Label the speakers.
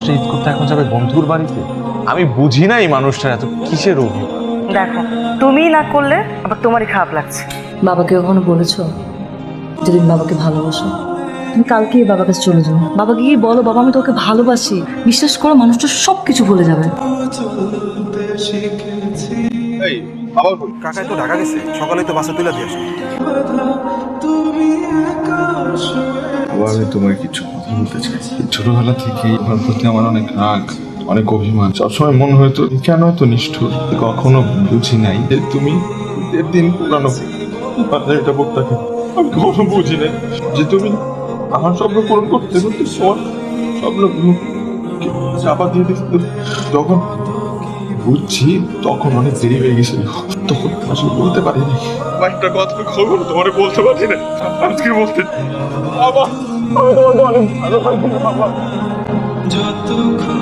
Speaker 1: মানুষটা ঈদ করতে এখন যাবে বন্ধুর বাড়িতে। আমি বুঝি না এই মানুষটার এত কিসের অভিমান।
Speaker 2: দেখো তুমি না করলে আবার তোমারই খারাপ লাগছে।
Speaker 3: বাবাকে কখনো বলেছো যে তুমি বাবাকে ভালোবাসো? তুমি কালকেই বাবার কাছে চলে যাও, বাবাকে গিয়ে বলো বাবা আমি তোকে ভালোবাসি। বিশ্বাস করো মানুষটা সব কিছু ভুলে যাবে।
Speaker 4: কাকাই তো ঢাকা গেছে, সকালে তো বাসা তুলে দিয়ে আসে।
Speaker 5: বাবা আমি তোমার কিছু কথা বলতে চাই। ছোটবেলা থেকেই তোমার প্রতি আমার অনেক রাগ, অনেক অভিমান। সবসময় মনে হয়তো কেন এত নিষ্ঠুর। কখনো বুঝি নাই যে তুমি 1.5 দিন পুরানো এটা বলতে আমি কখনো বুঝি নাই যে তুমি আমার স্বপ্ন পূরণ করতে করতে তোমার স্বপ্নগুলো চাপা দিয়ে দিচ্ছিল। যখন বুঝছি তখন অনেক দেরি হয়ে গেছিল, তখন আসলে বলতে পারিনি। একটা কথা কখনো তোমার বলতে পারি না, আজকে বলতে বাবা আমি তোমাকে অনেক ভালোবাসি বাবা।